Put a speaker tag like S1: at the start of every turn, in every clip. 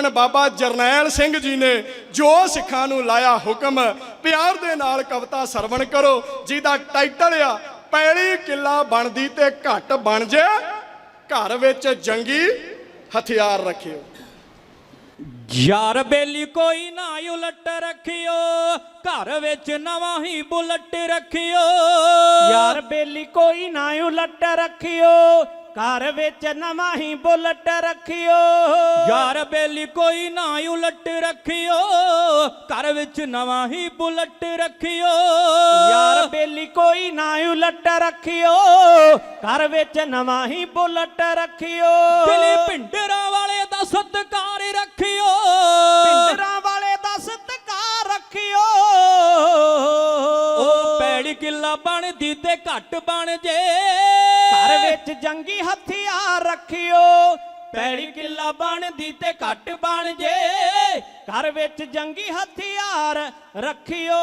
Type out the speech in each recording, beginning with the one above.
S1: ਧੰਨ ਬਾਬਾ ਜਰਨੈਲ ਸਿੰਘ ਜੀ ਨੇ जो सिखां नूं लाया हुक्म, प्यार दे नाल कविता सरवण करो जिहदा टाइटल आ पैली किला बनदी ते घट बन जे, घर विच जंगी हथियार रखियो।
S2: यार बेली कोई ना उलट रखियो, घर विच नवां ही बुलट रखियो।
S3: यार बेली कोई ना उलट रखियो, घर विच नवां ही बुलट रखियो।
S2: यार बेली कोई ना उलट रखियो, घर विच नवां ही बुलट रखियो।
S3: यार बेली कोई ना उलट रखियो, घर विच नवां ही बुलट रखियो।
S2: दिली भिंडरां वाले दा सत्कार रखियो,
S3: भिंडरां वाले दा सत्कार रखियो।
S2: ओ पैड़ी किला बनदी ते घट बन जे,
S3: घर विच जंगी हथियार रखियो। पैड़ी किला बनदी ते घट बन जे, घर विच जंगी हथियार रखियो।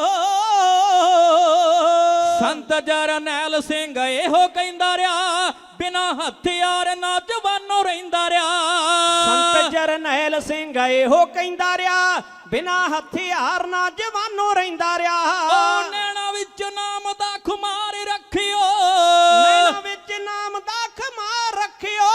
S2: संत जरनैल सिंह एहो कहंदा रहा, बिना हथियार ना जवानों रहिंदा रहा।
S3: संत जरनैल सिंह एहो कहंदा रहा, बिना हथियार ना जवानों रहिंदा रहा।
S2: ओ नैना विच नाम दा खुमार रखियो,
S3: नैना विच नाम दा खुमार रखियो।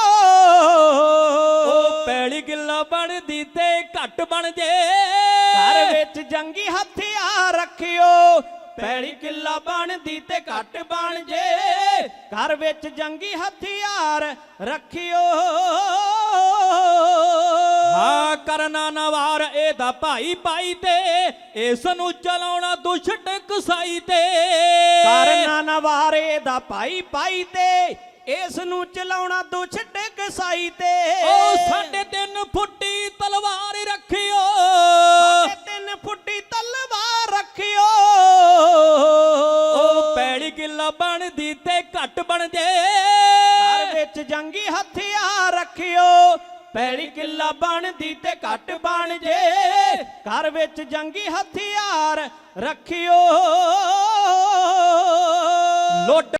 S2: ओ पैड़ी किला बनदी ते घट बन जे,
S3: घर विच जंगी हथियार रखियो। पैड़ी किला बनदी ते घट बन जे, घर विच जंगी हथियार रखियो।
S2: हाँ करना नवार एदा भाई पाई ते, इस नूं चलाउणा दुष्ट कसाई ते।
S3: करना नवारे दा भाई पाई ते, इस नूं चलाउणा दुष्ट कसाई ते।
S2: ओ 3.5 फुੱਟੀ तलवार रखियो,
S3: 3.5 फुੱਟੀ तलवार रखियो।
S2: ओ पैड़ी किला बनदी ते घट बन जे,
S3: घर विच जंगी हथियार रखियो। पैड़ी किला बनदी ते घट बन जे, घर विच जंगी हथियार रखियो।
S2: लुट